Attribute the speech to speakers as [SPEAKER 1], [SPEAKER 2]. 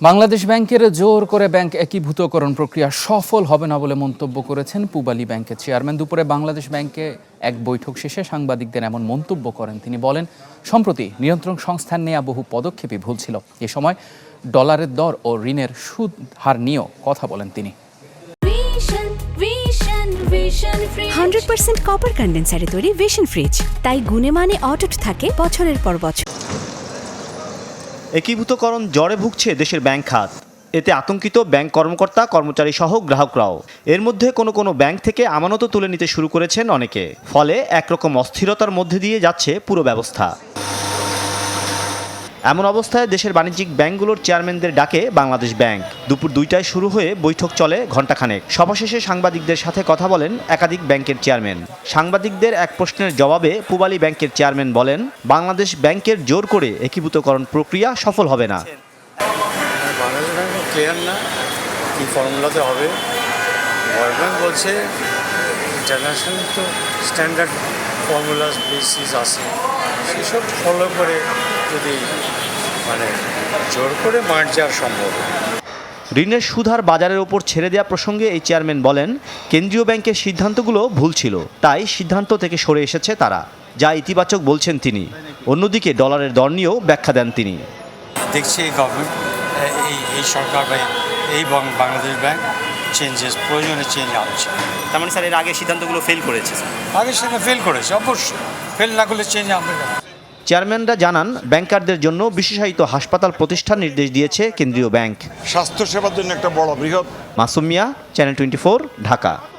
[SPEAKER 1] বাংলাদেশ ব্যাংকের জোর করে ব্যাংক একীভূতকরণ প্রক্রিয়া সফল হবে না বলে মন্তব্য করেছেন পূবালী ব্যাংকের চেয়ারম্যান। দুপুরে বাংলাদেশ ব্যাংকে এক বৈঠক শেষে সাংবাদিকদের এমন মন্তব্য করেন তিনি। বলেন, সম্প্রতি নিয়ন্ত্রণ সংস্থার নেওয়া বহু পদক্ষেপই ভুল ছিল। এ সময় ডলারের দর ও ঋণের সুদ হার নিয়েও কথা বলেন তিনি।
[SPEAKER 2] 100% কপার কন্ডেন্সারে তৈরি ভিশন ফ্রিজ, তাই গুণে মানে অটুট থাকে বছরের পর বছর।
[SPEAKER 3] একীভূতকরণ জ্বরে ভুগছে দেশের ব্যাংক খাত। এতে আতঙ্কিত ব্যাংক কর্মকর্তা কর্মচারী সহ গ্রাহকরাও। এর মধ্যে কোনো ব্যাংক থেকে আমানত তুলে নিতে শুরু করেছেন অনেকে। ফলে একরকম অস্থিরতার মধ্যে দিয়ে যাচ্ছে পুরো ব্যবস্থা। এমন অবস্থায় দেশের বাণিজ্যিক ব্যাংকগুলোর চেয়ারম্যানদের ডাকে বাংলাদেশ ব্যাংক। দুপুর 2টায় শুরু হয়ে বৈঠক চলে ঘণ্টাখানেক। সভা শেষে সাংবাদিকদের সাথে কথা বলেন একাধিক ব্যাংকের চেয়ারম্যান। সাংবাদিকদের এক প্রশ্নের জবাবে পূবালী ব্যাংকের চেয়ারম্যান বলেন, বাংলাদেশ ব্যাংকের জোর করে একীভূতকরণ প্রক্রিয়া সফল হবে না।
[SPEAKER 4] বাংলাদেশ ব্যাংক ক্লিয়ার না কী ফর্মুলাতে হবে। ওয়ার্ল্ড ব্যাংক বলছে ইন্টারন্যাশনাল তো স্ট্যান্ডার্ড ফর্মুলাস বেসিস আছে, সেসব ফলো করে যদি জোর করে মাঠ যাওয়া সম্ভব।
[SPEAKER 3] ঋণের সুদ হার বাজারের ওপর ছেড়ে দেওয়া প্রসঙ্গে এই চেয়ারম্যান বলেন, কেন্দ্রীয় ব্যাংকের সিদ্ধান্তগুলো ভুল ছিল, তাই সিদ্ধান্ত থেকে সরে এসেছে তারা, যা ইতিবাচক বলছেন তিনি। অন্যদিকে ডলারের দর নিয়েও ব্যাখ্যা দেন তিনি।
[SPEAKER 4] দেখছি এই গভর্নমেন্ট, এই সরকার বা এই বাংলাদেশ ব্যাংক চেঞ্জেস, প্রয়োজনে চেঞ্জ আনছে।
[SPEAKER 3] তার মানে স্যার, এর আগে সিদ্ধান্তগুলো ফেল করেছে।
[SPEAKER 4] আগে সেটা ফেল করেছে, অবশ্যই ফেল না করলে চেঞ্জ আনবে না।
[SPEAKER 3] চেয়ারম্যানরা জানান, ব্যাংকারদের জন্য বিশেষায়িত হাসপাতাল প্রতিষ্ঠার নির্দেশ দিয়েছে কেন্দ্রীয় ব্যাংক।
[SPEAKER 5] স্বাস্থ্যসেবার জন্য একটা বড় বৃহৎ।
[SPEAKER 3] মাসুম মিয়া, চ্যানেল 24, ঢাকা।